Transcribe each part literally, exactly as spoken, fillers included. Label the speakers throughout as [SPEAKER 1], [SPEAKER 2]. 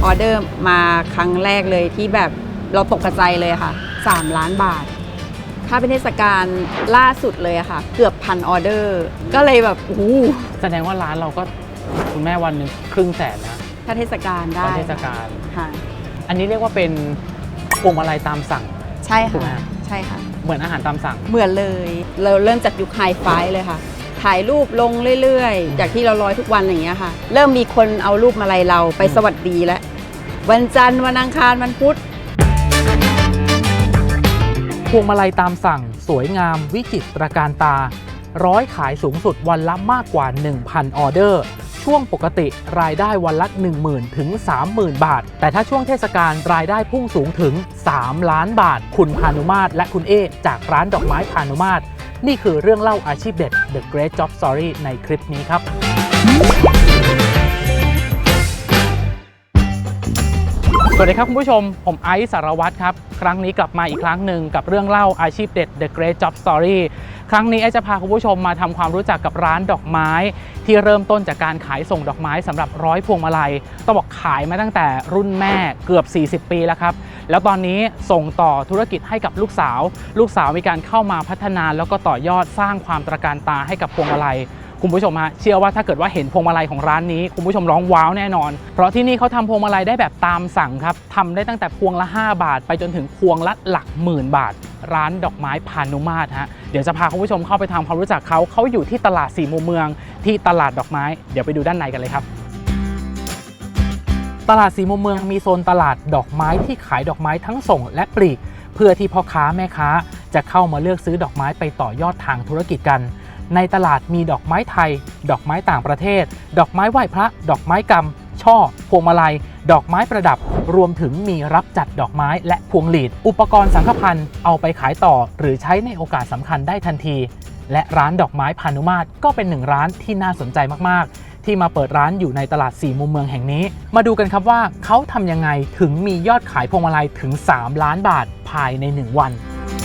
[SPEAKER 1] ออเดอร์มาครั้งแรกเลยที่แบบเราตกใจเลยค่ะสามล้านบาทถ้าเป็นเทศกาลล่าสุดเลยอะค่ะเกือบพันออเดอร์ก็เลยแบบโอ้โห
[SPEAKER 2] แสดงว่าร้านเราก็คุณแม่วันหนึ่งครึ่งแสนนะ
[SPEAKER 1] ถ้าเทศกาลได้
[SPEAKER 2] เทศกาล
[SPEAKER 1] ค่ะ
[SPEAKER 2] อันนี้เรียกว่าเป็นพวงมาลัยตามสั่ง
[SPEAKER 1] ใช่ค่ะใช่ค่ะ
[SPEAKER 2] เหมือนอาหารตามสั่ง
[SPEAKER 1] เหมือนเลยเราเริ่มจากยุคไฮไฟเลยค่ะถ่ายรูปลงเรื่อยๆจากที่เราลอยทุกวันอย่างเงี้ยค่ะเริ่มมีคนเอารูปมาลัยเราไปสวัสดีแล้ววันจันทร์วันอังคารวันพุธ
[SPEAKER 2] พวงมาลัยตามสั่งสวยงามวิจิตรการตาร้อยขายสูงสุดวันละมากกว่า หนึ่งพัน ออเดอร์ช่วงปกติรายได้วันละ หนึ่งหมื่น ถึง สามหมื่น บาทแต่ถ้าช่วงเทศกาลรายได้พุ่งสูงถึงสามล้านบาทคุณพานุมาตรและคุณเอจากร้านดอกไม้พานุมาตรนี่คือเรื่องเล่าอาชีพเด็ด The Great Job Story ในคลิปนี้ครับสวัสดีครับคุณผู้ชมผมไอซ์สารวัตรครับครั้งนี้กลับมาอีกครั้งหนึ่งกับเรื่องเล่าอาชีพเด็ด The Great Job Story ครั้งนี้ไอซ์จะพาคุณผู้ชมมาทำความรู้จักกับร้านดอกไม้ที่เริ่มต้นจากการขายส่งดอกไม้สำหรับร้อยพวงมาลัยต้องบอกขายมาตั้งแต่รุ่นแม่เกือบสี่สิบปีแล้วครับแล้วตอนนี้ส่งต่อธุรกิจให้กับลูกสาวลูกสาวมีการเข้ามาพัฒนาแล้วก็ต่อยอดสร้างความตระการตาให้กับพวงมาลัยคุณผู้ชมฮะเชื่อว่าถ้าเกิดว่าเห็นพวงมาลัยของร้านนี้คุณผู้ชมร้องว้าวแน่นอนเพราะที่นี่เขาทำพวงมาลัยได้แบบตามสั่งครับทำได้ตั้งแต่พวงละห้าบาทไปจนถึงพวงละหลักหมื่นบาทร้านดอกไม้พานุมาตรฮะเดี๋ยวจะพาคุณผู้ชมเข้าไปทำความรู้จักเขาเขาอยู่ที่ตลาดสี่มุมเมืองที่ตลาดดอกไม้เดี๋ยวไปดูด้านในกันเลยครับตลาดสี่มุมเมืองมีโซนตลาดดอกไม้ที่ขายดอกไม้ทั้งส่งและปลีกเพื่อที่พ่อค้าแม่ค้าจะเข้ามาเลือกซื้อดอกไม้ไปต่อยอดทางธุรกิจกันในตลาดมีดอกไม้ไทยดอกไม้ต่างประเทศดอกไม้ไหว้พระดอกไม้กำช่อพวงมาลัยดอกไม้ประดับรวมถึงมีรับจัดดอกไม้และพวงหลีดอุปกรณ์สังฆพันธ์เอาไปขายต่อหรือใช้ในโอกาสสำคัญได้ทันทีและร้านดอกไม้พานุมาตรก็เป็นหนึ่งร้านที่น่าสนใจมากๆที่มาเปิดร้านอยู่ในตลาดสี่มุมเมืองแห่งนี้มาดูกันครับว่าเขาทำยังไงถึงมียอดขายพวงมาลัยถึงสามล้านบาทภายในหนึ่งวัน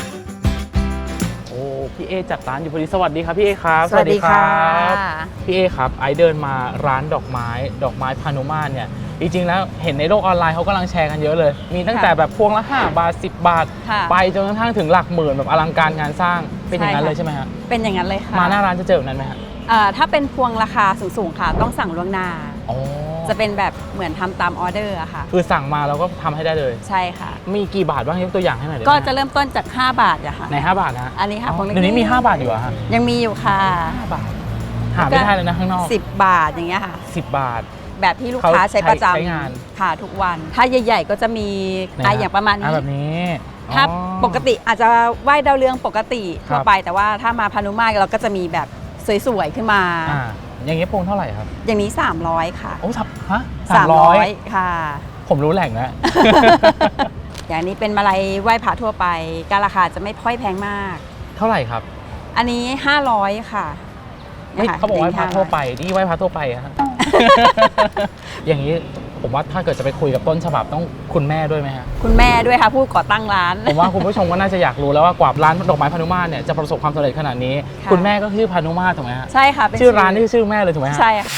[SPEAKER 2] พี่เอจัดร้านอยู่พอดีสวัสดีครับพี่เอครับ
[SPEAKER 1] สวัสดีครับ
[SPEAKER 2] พี่เอครับไอเดินมาร้านดอกไม้ดอกไม้พานุมาตรเนี่ยจริงๆแล้วเห็นในโลกออนไลน์เขากำลังแชร์กันเยอะเลยมีตั้งแต่แบบพวงละห้าบาทสิบบาทไปจนกระทั่งถึงหลักหมื่นแบบอลังการงานสร้างเป็นอย่างนั้นเลยใช่ไหมฮะ
[SPEAKER 1] เป็นอย่างนั้นเลยค่ะ
[SPEAKER 2] มาหน้าร้านจะเจอแบบนั้นไหมฮะ
[SPEAKER 1] ถ้าเป็นพวงราคาสูงๆค่ะต้องสั่งล่วงหน้าจะเป็นแบบเหมือนทำตามออเดอร์อะค่ะ
[SPEAKER 2] คือสั่งมาเราก็ทำให้ได้เลย
[SPEAKER 1] ใช่ค่ะ
[SPEAKER 2] มีกี่บาทบ้างยกตัวอย่างให้หน่อย
[SPEAKER 1] ก็จะเริ่มต้นจากห้าบาทอะค่ะ
[SPEAKER 2] ในห้าบาทนะ
[SPEAKER 1] อันนี้ค่ะ
[SPEAKER 2] เดี๋ยวนี้มีห้าบาทอยู่อะฮะ
[SPEAKER 1] ยังมีอยู่ค่ะ
[SPEAKER 2] ห้าบาทหาไม่ได้เลยนะข้างนอก
[SPEAKER 1] สิบบาทอย่างเงี้ยค่ะ
[SPEAKER 2] สิบบาท
[SPEAKER 1] แบบที่ลูกค้าใช้ประจำค่ะทุกวันถ้าใหญ่ๆก็จะมีอะไรอย่างประมาณนี้
[SPEAKER 2] แบบนี้
[SPEAKER 1] ถ้าปกติอาจจะไหว้ดาวเรืองปกติทั่วไปแต่ว่าถ้ามาพานุมาตรเราก็จะมีแบบสวยๆขึ้นมา
[SPEAKER 2] อย่างนี้พวงเท่าไหร่ครับ
[SPEAKER 1] อย่างนี้สามร้อยค่ะ
[SPEAKER 2] โอ้สับฮะ
[SPEAKER 1] สามร้อยค่ะ
[SPEAKER 2] ผมรู้แหล่งนะ
[SPEAKER 1] อย่างนี้เป็นมาลัยไหว้พระทั่วไปการราคาจะไม่ค่อยแพงมาก
[SPEAKER 2] เท่าไหร่ครับ
[SPEAKER 1] อันนี้ห้าร้อยค่ะ
[SPEAKER 2] เขาบอกไหว้พระทั่วไปนี่ไหว้พระทั่วไปฮะอย่างนี้ผมว่าถ้าเกิดจะไปคุยกับต้นฉบับต้องคุณแม่ด้วยไหมฮะ
[SPEAKER 1] คุณแม่ด้วยค่ะผู้ก่อตั้งร้าน
[SPEAKER 2] ผมว่าคุณผู้ชมก็น่าจะอยากรู้แล้วว่ากว่าร้านดอกไม้พานุมาตรเนี่ยจะประสบความสำเร็จขนาดนี้คุณแม่ก็ชื่อพานุมาตรถูกไหมฮะ
[SPEAKER 1] ใช่ค่ะ
[SPEAKER 2] ชื่อร้านนี่ชื่อแม่เลยถูกไหมฮะ
[SPEAKER 1] ใช่ค่ะ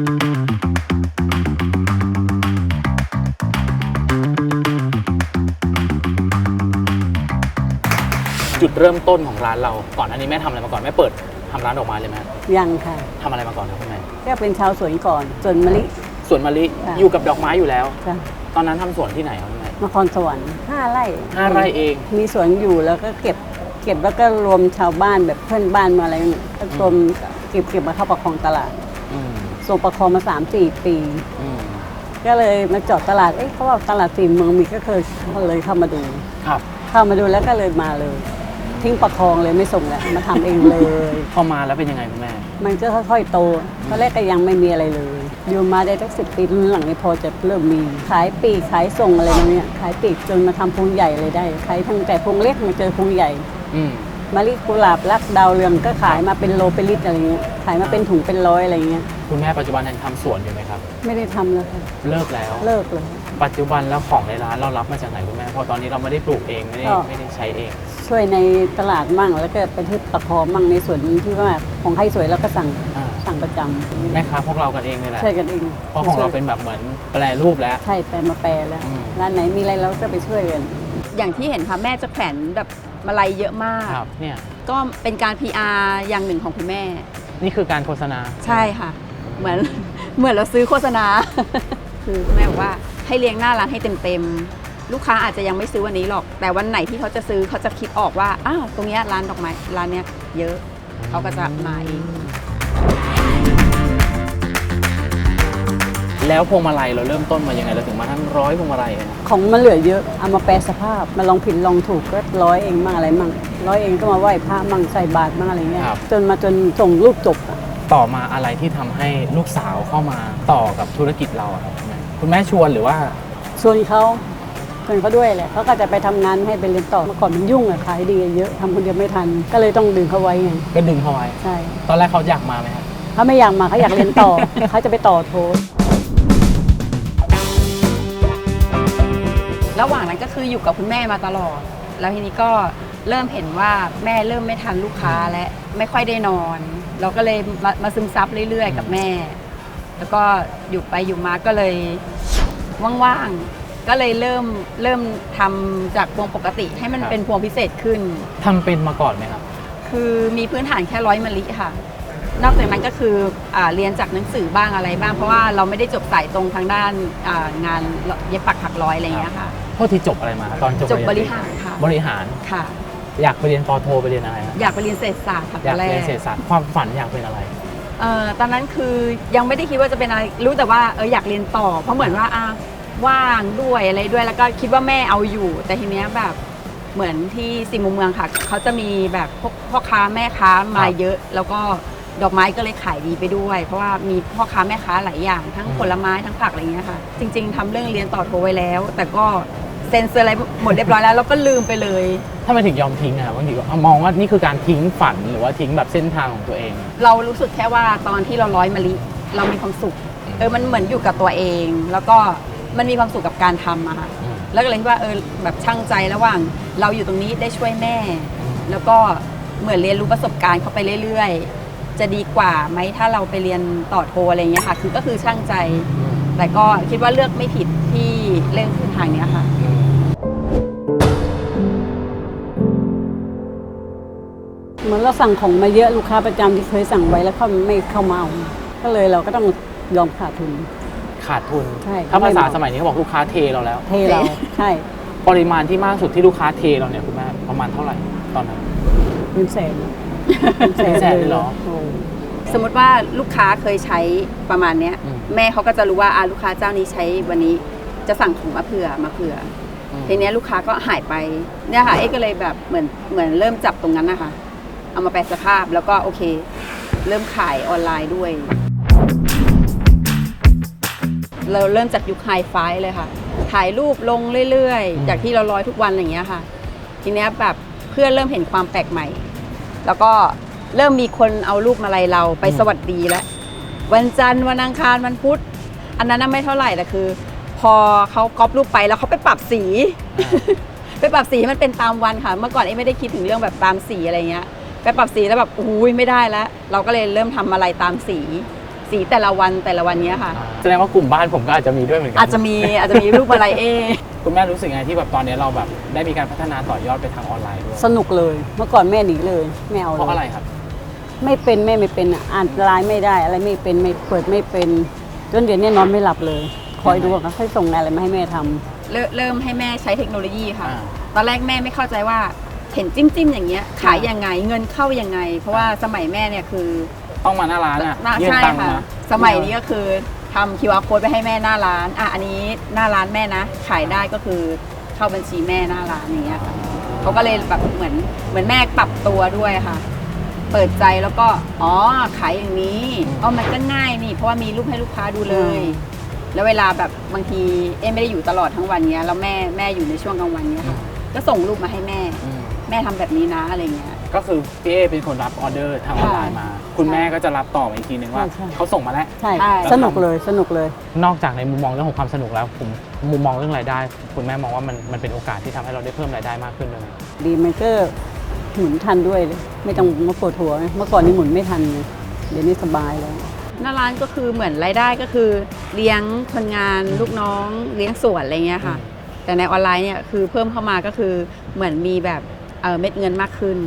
[SPEAKER 2] จุดเริ่มต้นของร้านเราก่อนอันนี้แม่ทำอะไรมาก่อนแม่เปิดทำร้านดอกไม้เลยไหม
[SPEAKER 3] ยังค่ะ
[SPEAKER 2] ทำอะไรมาก่อนครับคุณแม่
[SPEAKER 3] ก็เป็นชาวสวนก่อนสวนมะลิ
[SPEAKER 2] สวนมะลิอยู่กับดอกไม้อยู่แล้ว ตอนนั้นทำสวนที่ไหนครับคุณแม่
[SPEAKER 3] นครสวรรค์ห้าไร่
[SPEAKER 2] ห้าไร่เอง
[SPEAKER 3] มีสวนอยู่แล้วก็เก็บเก็บแล้วก็รวมชาวบ้านแบบเพื่อนบ้านมาอะไรเนี่ยก็รวมเก็บเก็บมาเข้าประคองตลาดส่งประคองมาสามสี่ปีก็เลยมาจอดตลาดเอ๊ะเขาว่าตลาดสี่เมืองมีก็เคยเลยเข้ามาดู
[SPEAKER 2] ครับ
[SPEAKER 3] เข้ามาดูแล้วก็เลยมาเลยทิ้งประคองเลยไม่ส่งแล้วมาทำเองเลย
[SPEAKER 2] พอมาแล้วเป็นยังไงคุณแม่
[SPEAKER 3] มันก็ค่อยๆโตตอนแรกก็ยังไม่มีอะไรเลยอยู่มาได้ตั้งสิบปีหลังนี้พอจะเริ่มมีขายปีกขายส่งอะไรเนี่ยขายปีกจนมาทำพวงใหญ่เลยได้ขายทั้งแต่พวงเล็กมาเจอพวงใหญ่มะลิกุหลาบรักดาวเรืองก็ขายมาเป็นโลเป็นลิตรอะไรเงี้ยขายมาเป็นถุงเป็นร้อยอะไรเงี้ย
[SPEAKER 2] คุณแม่ปัจจุบันยังทำสวนอยู่ไหมครับ
[SPEAKER 3] ไม่ได้ทำแล้วค่ะ
[SPEAKER 2] เลิกแล้ว
[SPEAKER 3] เลิกเลย
[SPEAKER 2] ปัจจุบันแล้วของในร้านเรารับมาจากไหนคุณแม่เพราะตอนนี้เราไม่ได้ปลูกเองไม่ได้ไม่ได้ใช้เอง
[SPEAKER 3] ช่วยในตลาดมั่งแล้วก็ไปที่ประคองมั่งในส่วนที่ว่าของใครสวยแล้วก็สั่งสั่งงประจำ
[SPEAKER 2] แม่ค้าพวกเรากันเองเลยแหละ
[SPEAKER 3] ช่วยกันเอง
[SPEAKER 2] เพราะของเราเป็นแบบเหมือนแปรรูปแล้ว
[SPEAKER 3] ใช่แปลมาแปลแล้ว
[SPEAKER 2] อืม
[SPEAKER 3] ร้านไหนมีอะไรเราก็ไปช่วยกัน
[SPEAKER 1] อย่างที่เห็นค่ะแม่จะแขวนแบบมาลัยเยอะมาก
[SPEAKER 2] ครับเนี่ย
[SPEAKER 1] ก็เป็นการ พี อาร์ อย่างหนึ่งของคุณแม่
[SPEAKER 2] นี่คือการโฆษณา
[SPEAKER 1] ใช่ค่ะ เหมือน เหมือนเราซื้อโฆษณา คือแม่บอกว่าให้เลี้ยงหน้าร้านให้เต็มๆลูกค้าอาจจะยังไม่ซื้อวันนี้หรอก แต่วันไหนที่เขาจะซื้อเขาจะคิดออกว่าอ้าวตรงเนี้ยร้านดอกไม้ร้านเนี้ยเยอะเขาก็จะมาเอง
[SPEAKER 2] แล้วพวงมาลัยเราเริ่มต้นมายังไงเราถึงมาทั้งร้อยพวงมาลัยกัน
[SPEAKER 3] ของมันเหลือเยอะเอามาแปลสภาพมาลองผิดลองถูกก็ร้อยเองมั่งอะไรมั่งร้อยเองก็มาไหว้พระมั่งใส่บาตรมั่งอะไรเงี้ยจนมาจนส่งลูกจบอะ
[SPEAKER 2] ต่อมาอะไรที่ทำให้ลูกสาวเข้ามาต่อกับธุรกิจเราอะครับคุณแม่คุณแม่ชวนหรือว่า
[SPEAKER 3] ชวนเขาชวนเขาด้วยแหละเขาก็จะไปทำงานให้ไปเรียนต่อเมื่อก่อนมันยุ่งอะขายดีเยอะทำคนเดียวไม่ทันก็เลยต้องดึงเขาไว้ไง
[SPEAKER 2] ก็ดึงเขาไว้
[SPEAKER 3] ใช่
[SPEAKER 2] ตอนแรกเขาอยากมาไหมครับ
[SPEAKER 3] เขาไม่อยากมาเขาอยากเรียนต่อ เขาจะไปต่อโท
[SPEAKER 1] ระหว่างนั้นก็คืออยู่กับคุณแม่มาตลอด แล้วทีนี้ก็เริ่มเห็นว่าแม่เริ่มไม่ทันลูกค้าและไม่ค่อยได้นอน เราก็เลยมามาซึมซับเรื่อยๆกับแม่ แล้วก็อยู่ไปอยู่มาก็เลยว่างๆก็เลยเริ่มเริ่มทำจากพวงปกติให้มันเป็นพวงพิเศษขึ้น
[SPEAKER 2] ทำเป็นมาก่อนไหมครับ
[SPEAKER 1] คือมีพื้นฐานแค่ร้อยมะลิค่ะ นอกจากนั้นก็คืออ่าเรียนจากหนังสือบ้างอะไรบ้าง เพราะว่าเราไม่ได้จบสายตรงทางด้านอ่างานเย็บปักถักร้อยอะไรอย่างเงี้ยค่ะ
[SPEAKER 2] พวกที่จบอะไรมาครับตอนจบ
[SPEAKER 1] จบ
[SPEAKER 2] เยน
[SPEAKER 1] บริหารค่ะ
[SPEAKER 2] บริหาร
[SPEAKER 1] ค่ะ
[SPEAKER 2] อยากไปเรียนปอโทไปเรียนอะไรครับ
[SPEAKER 1] อยากไปเรียนเศรษฐศาสตร์ค่ะ
[SPEAKER 2] อยาก
[SPEAKER 1] ตนแร
[SPEAKER 2] เรียนเศรษฐศาสตร์ความฝันอยากเป็นอะไร
[SPEAKER 1] เอ่อตอนนั้นคือยังไม่ได้คิดว่าจะเป็นอะไรรู้แต่ว่าเอออยากเรียนต่อ เพราะเหมือนว่าอ่ะว่างด้วยอะไรด้วยแล้วก็คิดว่าแม่เอาอยู่ แต่ทีเนี้ยแบบเหมือนที่สี่มุมเมืองค่ะเขาจะมีแบบพวกพ่อค้าแม่ค้ามาเยอะ แล้วก็ดอกไม้ก็เลยขายดีไปด้วย เพราะว่ามีพ่อค้าแม่ค้าหลายอย่างทั้งผลไม้ทั้งผักอะไรเงี้ยค่ะ จริง ๆทำเรื่องเรียนต่อโทไว้แล้ว แต่ก็เซ็นเซอร์อะไรหมดเรียบร้อยแล้วแล้วก็ลืมไปเลย
[SPEAKER 2] ถ้ามันถึงยอมทิ้งอะบางทีก็มองว่านี่คือการทิ้งฝันหรือว่าทิ้งแบบเส้นทางของตัวเอง
[SPEAKER 1] เรารู้สึกแค่ว่าตอนที่เราร้อยมะลิเรามีความสุขเออมันเหมือนอยู่กับตัวเอง แล้วก็มันมีความสุขกับการทำอะค่ะ
[SPEAKER 2] อืม
[SPEAKER 1] แล้วก็เลยคิดว่าเออแบบช่างใจระหว่างเราอยู่ตรงนี้ได้ช่วยแม่ แล้วก็เหมือนเรียนรู้ประสบการณ์เข้าไปเรื่อยๆ จะดีกว่าไหมถ้าเราไปเรียนต่อโทอะไรเงี้ยค่ะ คือก็คือช่างใจ แต่ก็คิดว่าเลือกไม่ผิดที่เล่นขึ้นทางเนี้ยค่ะ
[SPEAKER 3] เหมือนเราสั่งของมาเยอะลูกค้าประจำที่เคยสั่งไว้แล้วเขาไม่เข้ามาเอาก็เลยเราก็ต้องยอมขาดทุน
[SPEAKER 2] ขาดทุน
[SPEAKER 3] ใช่
[SPEAKER 2] ถ้าภาษา
[SPEAKER 3] ไม่เหมาะ
[SPEAKER 2] สมัยนี้เขาบอกลูกค้าเทเราแล้ว
[SPEAKER 3] เทเราใช่
[SPEAKER 2] ปริมาณที่มากสุดที่ลูกค้าเทเราเนี่ยคุณแม่ประมาณเท่าไหร่ตอนนั้น
[SPEAKER 3] เป็นแสนเป็น
[SPEAKER 2] เป็นแสนเลยเหรอ
[SPEAKER 3] โอ้
[SPEAKER 1] สมมติว่าลูกค้าเคยใช้ประมาณเนี้ย
[SPEAKER 2] อืม
[SPEAKER 1] แม่เขาก็จะรู้ว่าอ่าลูกค้าเจ้านี้ใช้วันนี้จะสั่งของมาเผื่อมาเผื่อ
[SPEAKER 2] อืม
[SPEAKER 1] ทีเนี้ยลูกค้าก็หายไปเนี่ยค่ะเอ๊ก็เลยแบบเหมือนเหมือนเริ่มจับตรงนั้นนะคะเอามาแปลสภาพแล้วก็โอเค เริ่มขายออนไลน์ด้วย เราเริ่มจากยุคไฮไฟเลยค่ะถ่ายรูปลงเรื่อยๆจากที่เราร้อยทุกวันอย่างเงี้ยค่ะ ทีเนี้ยแบบเพื่อนเริ่มเห็นความแปลกใหม่ แล้วก็เริ่มมีคนเอารูปมาลัยเราไปสวัสดีแล้ววันจันทร์วันอังคารวันพุธอันนั้นน่ะไม่เท่าไหร่แต่คือ พอเขาก๊อปรูปไปแล้วเขาไปปรับสี ไปปรับสีให้มันเป็นตามวันค่ะ เมื่อก่อนเอ้ไม่ได้คิดถึงเรื่องแบบตามสีอะไรเงี้ยไปปรับสีแล้วแบบอุ้ยไม่ได้แล้ว เราก็เลยเริ่มทำอะไรตามสี สีแต่ละวันแต่ละวันเนี้ยค่ะ
[SPEAKER 2] แสดงว่ากลุ่มบ้านผมก็อาจจะมีด้วยเหมือนกั
[SPEAKER 1] อาจจะมีอาจจะมีรูปอะไรเอ
[SPEAKER 2] คุณแม่รู้สึกไงที่แบบตอนนี้เราแบบได้มีการพัฒนาต่อยอดไปทางออนไลน์ด้วย
[SPEAKER 3] สนุกเลย เมื่อก่อนแม่หนีเลยไม่เอา
[SPEAKER 2] เพราะ
[SPEAKER 3] เล
[SPEAKER 2] อะไร
[SPEAKER 3] ย
[SPEAKER 2] ครับ
[SPEAKER 3] ไม่เป็นแม่ไม่เป็นอ่ะอ่านไลน์ไม่ได้อะไรไม่เป็นไม่เปิดไม่เป็นจนเดี๋ยวนี้นอนไม่หลับเลย คอยดูว่าเขาค่อยส่งอะไรมาให้แม่ทำ
[SPEAKER 1] เริ่มเริ่มให้แม่ใช้เทคโนโลยีค่ะ
[SPEAKER 2] อ่า
[SPEAKER 1] ตอนแรกแม่ไม่เข้าใจว่าเห็นจิ้มจิ้มๆอย่างเงี้ยขายยังไงเงินเข้ายังไง เพราะว่าสมัยแม่เนี่ยคือ
[SPEAKER 2] ต้องมาหน้าร้านอ่ะ
[SPEAKER 1] น่า
[SPEAKER 2] ยื่น
[SPEAKER 1] ใช่
[SPEAKER 2] ตังค์
[SPEAKER 1] ค่ะ
[SPEAKER 2] มา
[SPEAKER 1] สมัยนี้ก็คือทำ คิว อาร์ code ไปให้แม่หน้าร้านอ่ะอันนี้หน้าร้านแม่นะ ขายได้ก็คือเข้าบัญชีแม่หน้าร้านอย่างเงี้ยค่ะเขาก็เลยแบบเหมือนเหมือนแม่ปรับตัวด้วยค่ะ เปิดใจแล้วก็อ๋อขายอย่างนี้อ๋อมันก็ง่ายนี่เพราะว่ามีรูปให้ลูกค้าดูเลย แล้วเวลาแบบบางทีเอ๊ะไม่ได้อยู่ตลอดทั้งวันเนี้ยแล้วแม่แม่อยู่ในช่วงกลางวันเนี้ยค่ะก็ส่งรูปมาให้แม่
[SPEAKER 2] อืม
[SPEAKER 1] แม่ทำแบบนี้นะอะไรเงี้ย
[SPEAKER 2] ก็คือพี่เอเป็นคนรับออเดอร์ทางออนไลน์มา คุณแม่ก็จะรับต่อมาอีกทีนึงว่า
[SPEAKER 3] ใช่ใช่
[SPEAKER 2] เขาส่งมาแล้ว
[SPEAKER 3] ใช่
[SPEAKER 1] ใช่
[SPEAKER 3] สนุกเลยสนุกเลย
[SPEAKER 2] นอกจากในมุมมองเรื่องของความสนุกแล้วผมมุมมองเรื่องรายได้ คุณแม่มองว่ามันมันเป็นโอกาสที่ทำให้เราได้เพิ่มรายได้มากขึ้นเลยไหม
[SPEAKER 3] ดีมันก็หมุนทันด้วยเลยไม่ต้องมาปวดหัวเมื่อก่อนนี้หมุนไม่ทันเลยเดี๋ยวนี้สบายแล้ว
[SPEAKER 1] หน้าร้านก็คือเหมือนรายได้ก็คือเลี้ยงคนงานลูกน้องเลี้ยงสวนอะไรเงี้ยค่ะแต่ในออนไลน์เนี่ยคือเพิ่มเข้ามาก็คือเหมือนมีแบบเออเม็ดเงินมากขึ้น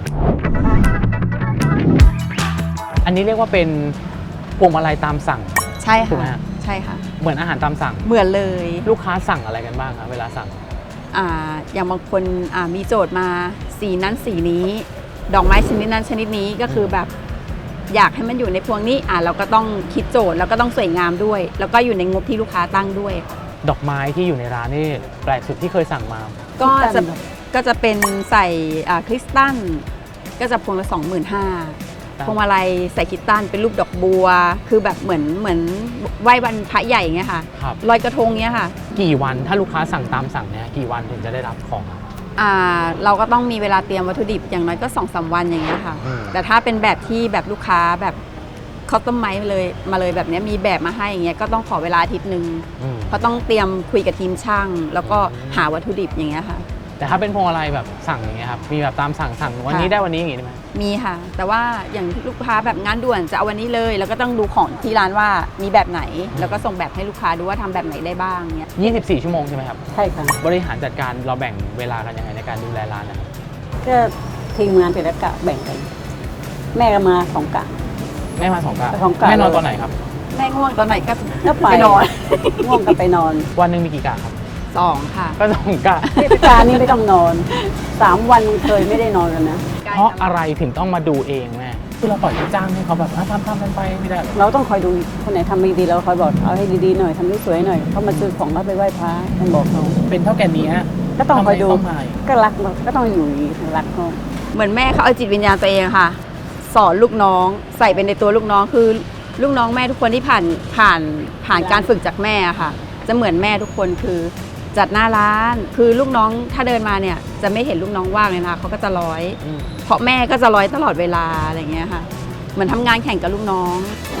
[SPEAKER 2] อันนี้เรียกว่าเป็นพวงมาลัยตามสั่ง
[SPEAKER 1] ใช่
[SPEAKER 2] ถูกไหม
[SPEAKER 1] ค่ะ
[SPEAKER 2] ฮะ
[SPEAKER 1] ใช่ค่ะ
[SPEAKER 2] เหมือนอาหารตามสั่ง
[SPEAKER 1] เหมือนเลย
[SPEAKER 2] ลูกค้าสั่งอะไรกันบ้างครับเวลาสั่ง
[SPEAKER 1] อ่าอย่างบางคนอ่ามีโจทย์มาสีนั้นสีนี้ ดอกไม้ชนิดนั้นชนิดนี้ก็คือแบบอยากให้มันอยู่ในพวงนี้อ่าเราก็ต้องคิดโจทย์แล้วก็ต้องสวยงามด้วย แล้วก็อยู่ในงบที่ลูกค้าตั้งด้วย
[SPEAKER 2] ดอกไม้ที่อยู่ในร้านนี่แปลกสุดที่เคยสั่งมา
[SPEAKER 1] ก็จะ
[SPEAKER 3] คริสตัล
[SPEAKER 1] ก็จะเป็นใส่อ่าคริสตัลก็จะพวงละสองหมื่นห้าพวงมาลัยใส่คริสตัลเป็นรูปดอกบัว คือแบบเหมือนเหมือนไหว้วันพระใหญ่อย่างเงี้ยค่ะ
[SPEAKER 2] ครับ
[SPEAKER 1] ลอยกระทงเงี้ยค่ะ
[SPEAKER 2] กี่วันถ้าลูกค้าสั่งตามสั่งเนี่ยกี่วันถึงจะได้รับของอะ
[SPEAKER 1] อ่าเราก็ต้องมีเวลาเตรียมวัตถุดิบอย่างน้อยก็ สองสาม วันอย่างเงี้ยค่ะ
[SPEAKER 2] อืม
[SPEAKER 1] แต่ถ้าเป็นแบบที่แบบลูกค้าแบบเขาต้มไม้เลยมาเลยแบบเนี้ยมีแบบมาให้อย่างเงี้ยก็ต้องขอเวลาอาทิตย์หนึ่ง
[SPEAKER 2] อืม
[SPEAKER 1] เพราะต้องเตรียมคุยกับทีมช่าง แล้วก็หาวัตถุดิบอย่างเงี้ยค่ะ
[SPEAKER 2] แต่ถ้าเป็นพวงมาลัยแบบสั่งอย่างเงี้ยครับมีแบบตามสั่งสั่งวันนี้
[SPEAKER 1] ค่ะ
[SPEAKER 2] ได้วันนี้อย่างงี้ได้ไหม
[SPEAKER 1] มีค่ะ แต่ว่าอย่างลูกค้าแบบงานด่วนจะเอาวันนี้เลย แล้วก็ต้องดูของที่ร้านว่ามีแบบไหน แล้วก็ส่งแบบให้ลูกค้าดูว่าทำแบบไหนได้บ้างเงี้ย
[SPEAKER 2] ยี่สิบสี่ชั่วโมงใช่ไหมครับ
[SPEAKER 3] ใช่ค่ะ
[SPEAKER 2] บริหารจัดการเราแบ่งเวลากันยังไงในการดูแลร้านนะครับ
[SPEAKER 3] ก็ทีมงานแต่ละกะแบ่งกัน แม่ก็มาสองกะ
[SPEAKER 2] แม่มาสองกะ
[SPEAKER 3] สองกะ
[SPEAKER 2] แม่นอนตอนไหนครับ
[SPEAKER 1] แม่ง่วงตอนไหนก็
[SPEAKER 3] ก็ไป
[SPEAKER 1] ไปนอน
[SPEAKER 3] ง่วงก็ไปนอน
[SPEAKER 2] วันหนึ่งมีกี่กะครับ
[SPEAKER 1] สองค่ะ
[SPEAKER 2] ก็สองกะ
[SPEAKER 3] เทศกาลนี้ไม่ต้องนอนสามวันเคยไม่ได้นอนกันนะ
[SPEAKER 2] เพราะอะไรถึงต้องมาดูเองแม่คือเราปล่อยให้จ้างให้เขาแบบอ่ะทำทำกันไปไม่ได้หรอ
[SPEAKER 3] เราต้องคอยดูคนไหนทำไม่ดีเราคอยบอกเอาให้ดีๆหน่อยทำให้สวยหน่อยเขามาซื้อของเราไปไหว้พระมันบอกเขา
[SPEAKER 2] เป็นเท่าแก่นี้ฮะ
[SPEAKER 3] ก็ต้องคอยดู
[SPEAKER 2] ทำไมเข้ามา
[SPEAKER 3] ก็รักก็ต้องอยู่อย่างนี้รักเขา
[SPEAKER 1] เหมือนแม่เขาเอาจิตวิญญาณตัวเองค่ะ สอนลูกน้องใส่เป็นในตัวลูกน้องคือลูกน้องแม่ทุกคนที่ผ่านผ่านผ่านการฝึกจากแม่อะค่ะ จะเหมือนแม่ทุกคนคือจัดหน้าร้าน คือลูกน้องถ้าเดินมาเนี่ยจะไม่เห็นลูกน้องว่างเลยนะคะเขาก็จะร้อย
[SPEAKER 2] อืม
[SPEAKER 1] เพราะแม่ก็จะร้อยตลอดเวลาอะไรอย่างเงี้ยค่ะเหมือนทำงานแข่งกับลูกน้อง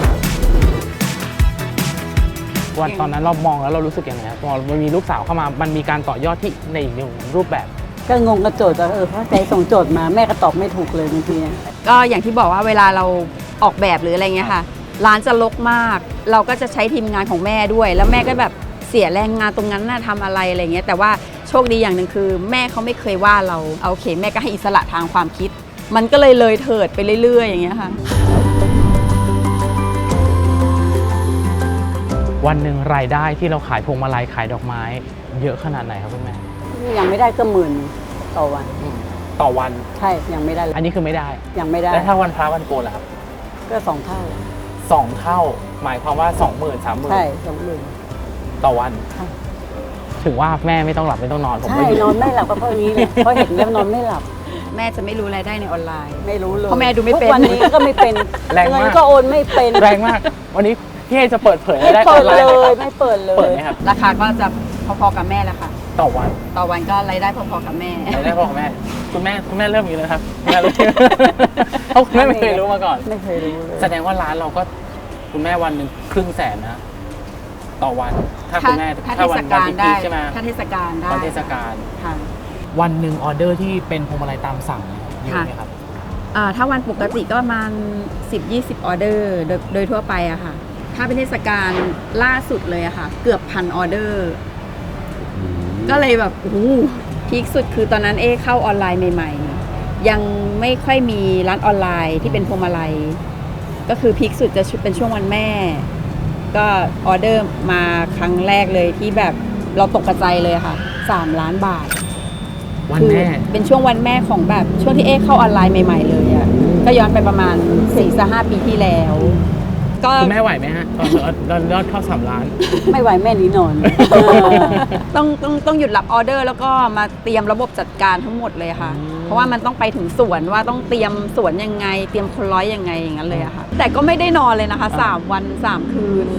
[SPEAKER 2] วันตอนนั้นเรามองแล้วเรารู้สึกยังไงครับพอมันมีลูกสาวเข้ามามันมีการต่อยอดที่ในอีกหนึ่งรูปแบบ
[SPEAKER 3] ก็งงกับโจทย์ว่าเออเพราะใจส่งโจทย์มาแม่ก็ตอบไม่ถูกเลยบางทีเนี่ย
[SPEAKER 1] ก็อย่างที่บอกว่าเวลาเราออกแบบหรืออะไรเงี้ยค่ะ ร้านจะรกมาก เราก็จะใช้ทีมงานของแม่ด้วย แล้วแม่ก็แบบเสียแรงงานตรงนั้นน่ะทำอะไรอะไรเงี้ยแต่ว่าโชคดีอย่างหนึ่งคือ แม่เขาไม่เคยว่าเราเอาโอเค แม่ก็ให้อิสระทางความคิด มันก็เลยเลยเถิดไปเรื่อยๆอย่างเงี้ยค่ะ
[SPEAKER 2] วันหนึ่งรายได้ที่เราขายพวงมาลัยขายดอกไม้ เยอะขนาดไหนครับคุณแม่
[SPEAKER 3] ยังไม่ได้ก็หมื่นต่อวัน
[SPEAKER 2] ต่อวัน
[SPEAKER 3] ใช่ยังไม่ได้เลย
[SPEAKER 2] อันนี้คือไม่ได้
[SPEAKER 3] ยังไม่ได้
[SPEAKER 2] แล้วถ้าวันพระวันโกนล่ะครับ
[SPEAKER 3] ก็สองเท่า
[SPEAKER 2] สองเท่า หมายความว่าสองหมื่นสามหมื่น
[SPEAKER 3] ใช่สองหมื่น
[SPEAKER 2] ต่อวัน
[SPEAKER 3] ใช่
[SPEAKER 2] ถึงว่าแม่ไม่ต้องหลับไม่ต้องนอนผม
[SPEAKER 3] ใช่
[SPEAKER 2] ก็อยู่
[SPEAKER 3] นอนไม่หลับก็เพราะอย่างนี้เลยเพราะเห็นแล้วนอนไม่หลับ
[SPEAKER 1] แม่จะไม่รู้รายได้ในออนไลน์
[SPEAKER 3] ไม่รู้เลย
[SPEAKER 1] เพราะแม่ดูไม่เป็น
[SPEAKER 3] ทุกวันนี้ก็ไม่เป็น
[SPEAKER 2] แรงมาก
[SPEAKER 3] เงินก็โอนไม่เป็น
[SPEAKER 2] แรงมาก วันนี้พี่เอจะเปิดเผยรายได้อ
[SPEAKER 3] เปิ
[SPEAKER 2] อ
[SPEAKER 3] ด
[SPEAKER 2] นไล
[SPEAKER 3] เล
[SPEAKER 2] น์
[SPEAKER 3] ยไม่เปิดเล
[SPEAKER 2] เปิด
[SPEAKER 3] ย
[SPEAKER 2] ไหมครับ
[SPEAKER 1] ราคาก็จะพอๆกับแม่แหละค่ะ
[SPEAKER 2] ต่อวัน
[SPEAKER 1] ต่อวันก็รายได้พอๆกับแม่
[SPEAKER 2] รายได้พ่อกับแม่ คุณแม่คุณแม่เริ่มอย่างนี้เลยครับคุณแม่เริ่มเพราะคุณแม่ไม่เคยรู้มาก่อน
[SPEAKER 3] ไม่เคยรู้เลย
[SPEAKER 2] แสดงว่าร้านเราก็คุณแม่วันหนึ่งครึ่งแสนนะ ต่อวัน ถ้าคุณแม่
[SPEAKER 1] ถ้า
[SPEAKER 2] ถ้า
[SPEAKER 1] เท
[SPEAKER 2] วั
[SPEAKER 1] ศ
[SPEAKER 2] น
[SPEAKER 1] กา
[SPEAKER 2] วัน
[SPEAKER 1] ล
[SPEAKER 2] ที่
[SPEAKER 1] ได้
[SPEAKER 2] พีคใช่ไหม
[SPEAKER 1] ถ้าเทศกาลได้
[SPEAKER 2] วันเทศกาล
[SPEAKER 1] ค่ะ
[SPEAKER 2] วันหนึ่งออเดอร์ที่เป็นพวงมาลัยตามสั่งเยอะไหมครับ
[SPEAKER 1] อ่าถ้าวันปกติก็ประมาณ สิบถึงยี่สิบ ออเดอร์โดยโดยทั่วไปอะค่ะ ถ้าเป็นเทศกาลล่าสุดเลยอะค่ะ เกือบพันออเดอร์ ก็เลยแบบโอ้โหพีคสุดคือตอนนั้นเอเข้าออนไลน์ใหม่ๆ ยังไม่ค่อยมีร้านออนไลน์ที่เป็นพวงมาลัย ก็คือพีคสุดจะเป็นช่วงวันแม่ ก็ออเดอร์มาครั้งแรกเลยที่แบบเราตกกระใจเลยอะค่ะสามล้านบาท
[SPEAKER 2] วันแม่
[SPEAKER 1] คือเป็นช่วงวันแม่ของแบบช่วงที่เอ๊เข้าออนไลน์ใหม่ๆเลยอ่ะก็ย้อนไปประมาณสี่ถึงห้าปีที่แล้ว ก็
[SPEAKER 2] คุณแม่ไหวไหมฮะตอนตอนยอดเข้าสามล้าน
[SPEAKER 3] ไม่ไหวแม่หนีนอน
[SPEAKER 1] ต้องต้องต้องหยุดรับออเดอร์แล้วก็มาเตรียมระบบจัดการทั้งหมดเลยค่ะ
[SPEAKER 2] อืม
[SPEAKER 1] เพราะว่ามันต้องไปถึงสวนว่าต้องเตรียมสวนยังไง เตรียมคนร้อยยังไงอย่างนั้นเลยอะค่ะ แต่ก็ไม่ได้นอนเลยนะคะสามวันสามคืน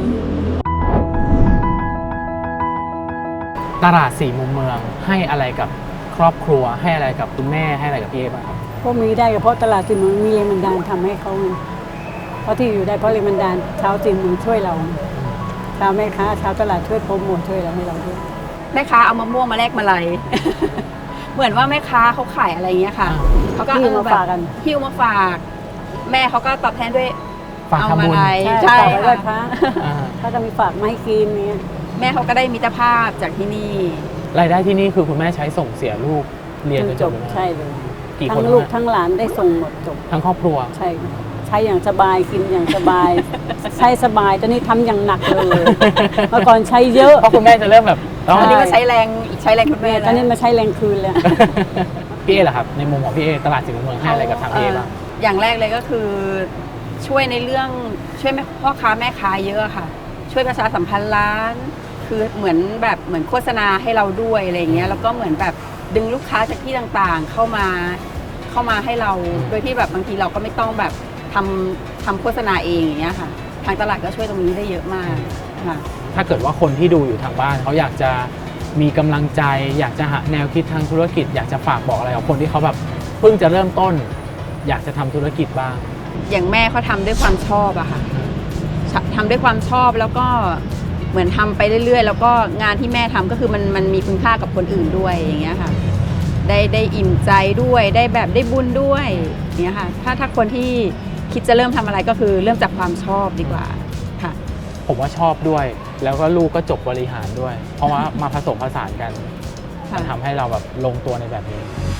[SPEAKER 2] ตลาดสี่มุมเมืองให้อะไรกับครอบครัวให้อะไรกับคุณแม่ให้อะไรกับพี่เอบ้างครับ
[SPEAKER 3] พวกนี้ได้ก็เพราะตลาดจีนเมืองมีแรงบันดาลทำให้เขาไงเพราะที่อยู่ได้เพราะแรงบันดาลชาวจีนเมืองช่วยเราชาวแม่ค้าชาวตลาดช่วยโปรโมทช่วยเราให้เราด้วย
[SPEAKER 1] แม่ค้าเอามะม่วงมาแลกมาลัย เหมือนว่าแม่ค้าเขาขายอะไรอย่างเงี้ยค่ะ
[SPEAKER 2] อ่า
[SPEAKER 1] เขาก็
[SPEAKER 3] หิ้ว
[SPEAKER 1] เออ
[SPEAKER 3] มา
[SPEAKER 1] แบบ
[SPEAKER 3] ฝากกัน
[SPEAKER 1] หิ้วมาฝาก แม่เขาก็ตอบแทนด้วย
[SPEAKER 2] ฝาก
[SPEAKER 1] เอา
[SPEAKER 2] ทำ
[SPEAKER 1] มา
[SPEAKER 2] บุญ
[SPEAKER 1] ลัย
[SPEAKER 3] ใช่
[SPEAKER 1] ใช่
[SPEAKER 3] ฝากไว้ไหว้พ
[SPEAKER 1] ค่ะ
[SPEAKER 3] ระ
[SPEAKER 2] อ่า
[SPEAKER 3] ถ้าจะมีฝากมาให้กินเนี้ย
[SPEAKER 1] แม่เขาก็ได้มิตรภาพจากที่นี่
[SPEAKER 2] รายได้ที่นี่คือคุณแม่ใช้ส่งเสียลูกเรียนจน
[SPEAKER 3] จ
[SPEAKER 2] จบบ เลยไหม
[SPEAKER 3] ใช่เลย
[SPEAKER 2] กี่ค
[SPEAKER 3] ทั้
[SPEAKER 2] น
[SPEAKER 3] งลูก
[SPEAKER 2] นะ
[SPEAKER 3] ทั้งหลานได้ส่งหมดจบ
[SPEAKER 2] ทั้งครอบครัว
[SPEAKER 3] ใช่ใช้อย่างสบายกินอย่างสบาย ใช้สบายตอนนี้ทำอย่างหนักเลยเมื่อก่อนใช้เยอะ
[SPEAKER 2] เพราะคุณแม่จะเริ่มแบบ
[SPEAKER 1] ตอนนี้
[SPEAKER 3] ใช่
[SPEAKER 1] ก็ใช้แรงใช้แรงคุณแม่
[SPEAKER 3] ตอนนี้มาใช้แรงคืนแล้ว
[SPEAKER 2] พี่เอเหรอครับในมุมของพี่เอตลาดสี่มุมเมืองให้อะไรกับทางพี่เอบ้าง
[SPEAKER 1] อย่างแรกเลยก็คือช่วยในเรื่องช่วยแม่พ่อค้าแม่ค้าเยอะค่ะ ช่วยประชาสัมพันธ์ร้าน คือเหมือนแบบเหมือนโฆษณาให้เราด้วยอะไรอย่างเงี้ยแล้วก็เหมือนแบบดึงลูกค้าจากที่ต่างๆ เข้ามาเข้ามาให้เราโดยที่แบบบางทีเราก็ไม่ต้องแบบทำทำโฆษณาเองอย่างเงี้ยค่ะ ทางตลาดก็ช่วยตรงนี้ได้เยอะมากค่ะ
[SPEAKER 2] ถ้าเกิดว่าคนที่ดูอยู่ทางบ้านเขาอยากจะมีกำลังใจ อยากจะหาแนวคิดทางธุรกิจ อยากจะฝากบอกอะไรกับคนที่เขาแบบเพิ่งจะเริ่มต้น อยากจะทำธุรกิจบ้าง
[SPEAKER 1] อย่างแม่เขาทำด้วยความชอบอะค่ะทำด้วยความชอบแล้วก็เหมือนทำไปเรื่อยๆ แล้วก็งานที่แม่ทำก็คือมันมันมีคุณค่ากับคนอื่นด้วยอย่างเงี้ยค่ะ ได้ได้อิ่มใจด้วยได้แบบได้บุญด้วยอย่างเงี้ยค่ะ ถ้าถ้าคนที่คิดจะเริ่มทำอะไรก็คือเริ่มจากความชอบดีกว่าค่ะ
[SPEAKER 2] ผมว่าชอบด้วย แล้วก็ลูกก็จบบริหารด้วย เพราะว่ามาผสมผสานกัน
[SPEAKER 1] ค่ะ
[SPEAKER 2] มันทำให้เราแบบลงตัวในแบบนี้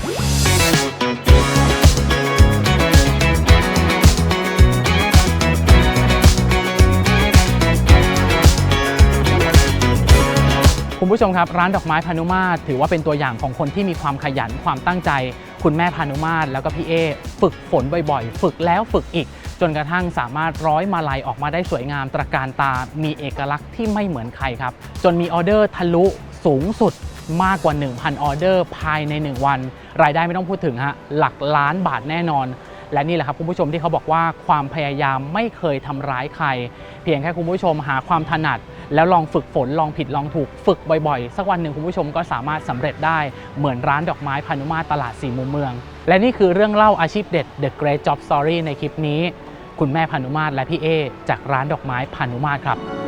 [SPEAKER 2] คุณผู้ชมครับร้านดอกไม้พานุมาตรถือว่าเป็นตัวอย่างของคนที่มีความขยันความตั้งใจ คุณแม่พานุมาตรแล้วก็พี่เอฝึกฝนบ่อยๆ ฝึกแล้วฝึกอีก จนกระทั่งสามารถร้อยมาลัยออกมาได้สวยงามตระการตา มีเอกลักษณ์ที่ไม่เหมือนใครครับ จนมีออเดอร์ทะลุสูงสุดมากกว่า หนึ่งพัน ออเดอร์ภายใน หนึ่ง วัน รายได้ไม่ต้องพูดถึงฮะหลักล้านบาทแน่นอน และนี่แหละครับคุณผู้ชมที่เขาบอกว่าความพยายามไม่เคยทำร้ายใคร เพียงแค่คุณผู้ชมหาความถนัด แล้วลองฝึกฝนลองผิดลองถูกฝึกบ่อยๆ สักวันหนึ่งคุณผู้ชมก็สามารถสำเร็จได้เหมือนร้านดอกไม้พานุมาตรตลาดสี่มุมเมือง และนี่คือเรื่องเล่าอาชีพเด็ด The Great Job Story ในคลิปนี้ คุณแม่พานุมาตรและพี่เอจากร้านดอกไม้พานุมาตรครับ